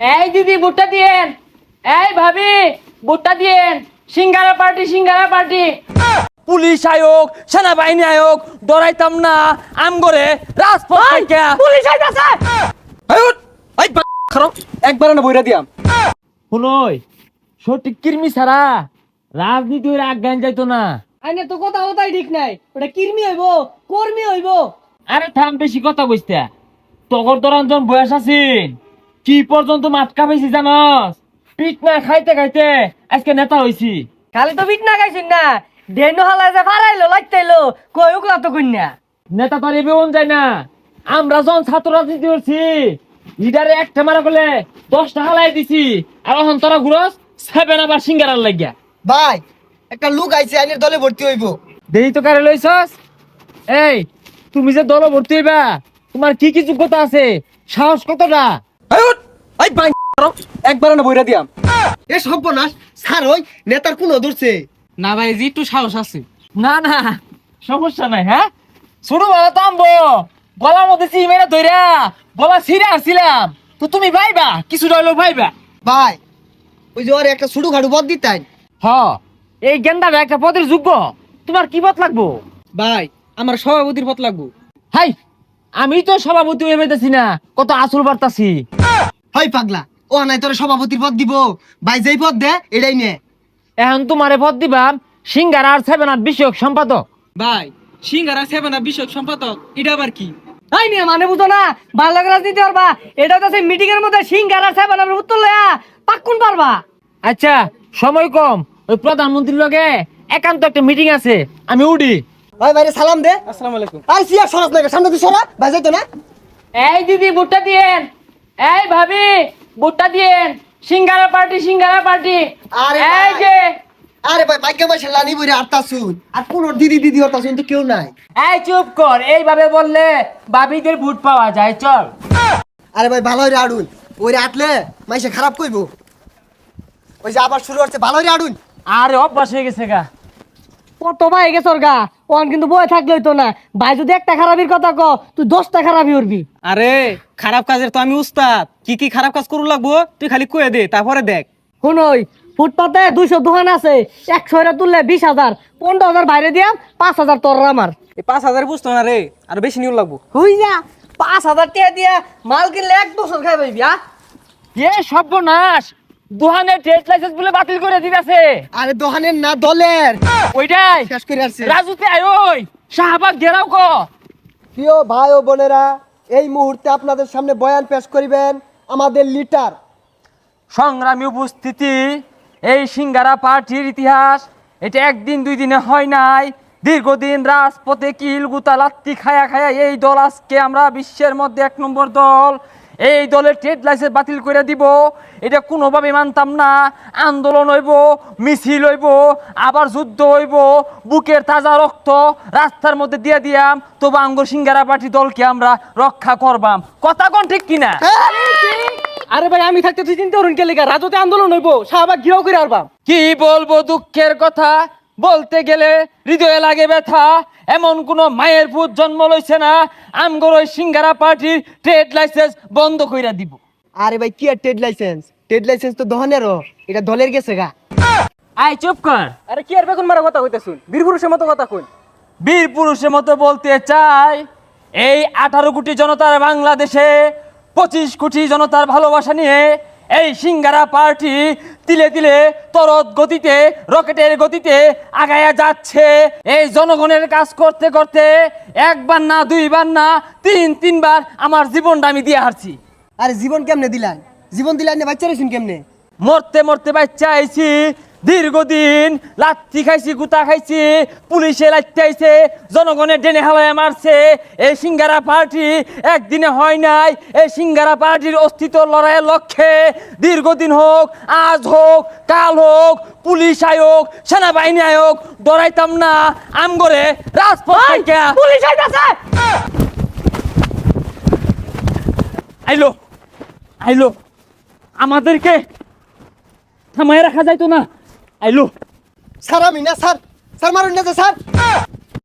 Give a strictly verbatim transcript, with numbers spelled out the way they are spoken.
এই দিদি ভুট্টা দিয়েন, এই ভাবি ভুট্টা দিয়েন, singara party singara party. Police আয়োগ সেনাবাহিনী আয়োগ ডরাইতাম না আম করে রাজপথ থেকে পুলিশ আইতাছে। একবার না বইরা দিয়াম শুনই সঠিক কির্মি ছাড়া রাজনীতি হইলে আজ্ঞান যাইতো না। আইনে তো কথা কথাই ঠিক নাই, ওটা কির্মি হইব কর্মী হইব। আরে থাম বেশি কথা কইস্তা তগর দরঞ্জন বয়স আছিন কি পর্যন্ত মাতকা পেয়েছি জানস পিট না খাইতে খাইতে আজকে নেতা হইছি। খালি তো বিট না গাইছিন না, ডেনো হালা যে ফারাইলো লাইতাইলো কই উকলা তো কইনা। নেতা তো আর এবেউন যায় না। আমরা যখন ছাত্র রাজনীতি করছি লিডারে একটা মারা করলে দশ টাকা লাই দিছি আর এখন তোরা ঘুরস সেভেন আবার সিঙ্গারার লাগিয়া। ভাই একটা লোক আইছে আইনের দলে ভর্তি হইব। দেরি তো কারে লইছস? এই তুমি যে দল ভর্তি হইবা তোমার কি কি যোগ্যতা আছে সাহস কতটা? একবার না বইরা দিয়াম এ সর্বনাশ স্যার ওই নেতার কোন ধরছে না ভাই জি একটু সাহস আছে। না না সমস্যা নাই। হ্যাঁ শুরু ভালো তামবো গলার মধ্যে চিমেরা ধইরা গলা ছিঁড়ে আসছিলাম তো তুমি ভাইবা কিছু রইলো ভাইবা। ভাই ওই যে ওর একটা ছুটু খাটু পদ দিতেন। হ এই গেন্দাটা একটা পদের যোগ্য তোমার কি পথ লাগবো? ভাই আমার সভাপতির পথ লাগবো। হাই আমি তো সভাপতি হয়ে পেতেছি না কত আসল বার্তাছি। হয় পাগলা ও নাই তোর সভাপতির পদ দিব ভাই যেই পদ দে এটাই নে। এখন তোমারে পদ দিবাম সিঙ্গার আর সেভেন আট বিষয়ক সম্পাদক। ভাই সিঙ্গারা সেভেন আপ বিষয়ক সম্পাদক এটা আবার কি? তাই নিয়ে মানে বুঝো না ভালো রাজনীতি পারবা, এটা তো মিটিং এর মধ্যে সিঙ্গারা সেভেন আপের উত্তর লয়া পাক্কুন পারবা। আচ্ছা সময় কম ওই প্রধানমন্ত্রীর লগে একান্ত একটা মিটিং আছে আমি উডি। ভাই ভাইরে সালাম দে। আসসালামু আলাইকুম। আর সিয়া সরাস না সামনে তুই সরা ভাই যাইতো না। এই দিদি ভুট্টা দিয়েন, এই ভাবি ভুট্টা দিয়েন, সিঙ্গারা পার্টি সিঙ্গারা পার্টি। আরে এই ভাই। যে আরে ভাই ভাগ্য ভাই লানি বইরে আটটা শুন আর কোন দিদি দিদি হতা শুন তো কেউ নাই। এই চুপ কর এইভাবে বললে বাবিদের ভোট পাওয়া যায় চল। আরে ভাই ভালো হইরে আড়ুন ওইরে আটলে মাইসে খারাপ কইবো। ওই যে আবার শুরু হচ্ছে ভালো হইরে আড়ুন। আরে অভ্যাস হয়ে গেছে গা। কত ভাই গেছে গা ওন কিন্তু বয়ে থাকলে হইতো না। ভাই যদি একটা খারাপির কথা ক তুই দশটা খারাপি করবি। আরে খারাপ কাজের তো আমি উস্তাদ, কি কি খারাপ কাজ করু লাগবো তুই খালি কয়ে দে তারপরে দেখ। শুনই ফুটপাতে দুইশো দোকান আছে, একশো এরা তুললে বিশ হাজার, পনেরো হাজার বাইরে দিয়াম, পাঁচ হাজার তোর আমার। এই পাঁচ হাজার বুঝতো না রে, আর বেশি নিউ লাগবো। হই যা পাঁচ হাজার টাকা দিয়া মাল কিনলে এক বছর খাই পাইবি। আ এ সর্বনাশ দোহানের ট্রেড লাইসেন্স বলে বাতিল করে দিতেছে। আরে দোকানের না দলের ওইটাই শেষ করে আসছে। রাজুতে আয় ওই শাহবাগ ঘেরাও ক। প্রিয় ভাই ও বোনেরা এই মুহূর্তে আপনাদের সামনে বয়ান পেশ করিবেন আমাদের লিডার। সংগ্রামী উপস্থিতি এই সিঙ্গারা পার্টির ইতিহাস এটা একদিন দুই দিনে হয় নাই, দীর্ঘদিন রাজপথে কিল গুতা লাত্তি খায়া খায়া এই দল আজকে আমরা বিশ্বের মধ্যে এক নম্বর দল। এই দলের ট্রেড লাইসেন্স বাতিল করে দিব এটা কোনোভাবে মানতাম না। আন্দোলন হইব, মিছিল হইব, আবার যুদ্ধ হইব, বুকের তাজা রক্ত রাস্তার মধ্যে দিয়ে দিয়াম, তবু আঙ্গুর সিঙ্গারা পার্টি দলকে আমরা রক্ষা করবাম। কথা কোন ঠিক কিনা? আরে ভাই আমি থাকতে তুই চিন্তা করুন কে লেগা রাজতে আন্দোলন হইব, শাহবাগ ঘিরাও করে আরবাম। কি বলবো দুঃখের কথা, বলতে গেলে হৃদয়ে লাগে ব্যথা। এমন কোন মায়ের পুত জন্ম লইছে না আমগর ওই সিঙ্গারা পার্টির ট্রেড লাইসেন্স বন্ধ কইরা দিব। আরে ভাই কি আর ট্রেড লাইসেন্স, ট্রেড লাইসেন্স তো দোকানেরও, এটা দলের গেছে গা। আয় চুপ কর। আরে কি আর বেগুন মারা কথা কইতে শুন, বীর পুরুষের মতো কথা কই। বীর পুরুষের মতো বলতে চাই এই আঠারো কোটি জনতার বাংলাদেশে পঁচিশ কোটি জনতার ভালোবাসা নিয়ে এই সিঙ্গারা পার্টি তিলে তিলে তরত গতিতে রকেটের গতিতে আগায়া যাচ্ছে। এই জনগণের কাজ করতে করতে একবার না দুইবার না তিন তিনবার আমার জীবনটা আমি দিয়ে হারছি। আরে জীবন কেমনে দিলেন, জীবন দিলেন না বাচ্চা রেছেন কেমনে? মরতে মরতে বাচ্চা আইছি, দীর্ঘদিন লাত্তি খাইছি, গুতা খাইছি, পুলিশে লাত্তি আইছে, জনগণের ডেনে হাওয়ায় মারছে। এই সিঙ্গারা পার্টি একদিনে হয় নাই। এই সিঙ্গারা পার্টির অস্তিত্ব লড়াইয়ের লক্ষ্যে দীর্ঘদিন হোক, আজ হোক, কাল হোক, পুলিশ আয়োগ সেনাবাহিনী আয়োগ ডরাইতাম না আমগরে রাজপথ থেকে পুলিশ আইতাছে। আইলো আইলো আমাদেরকে থামায় রাখা যাইতো না। আইলো স্যার আমি না স্যার, স্যার মারুন না স্যার।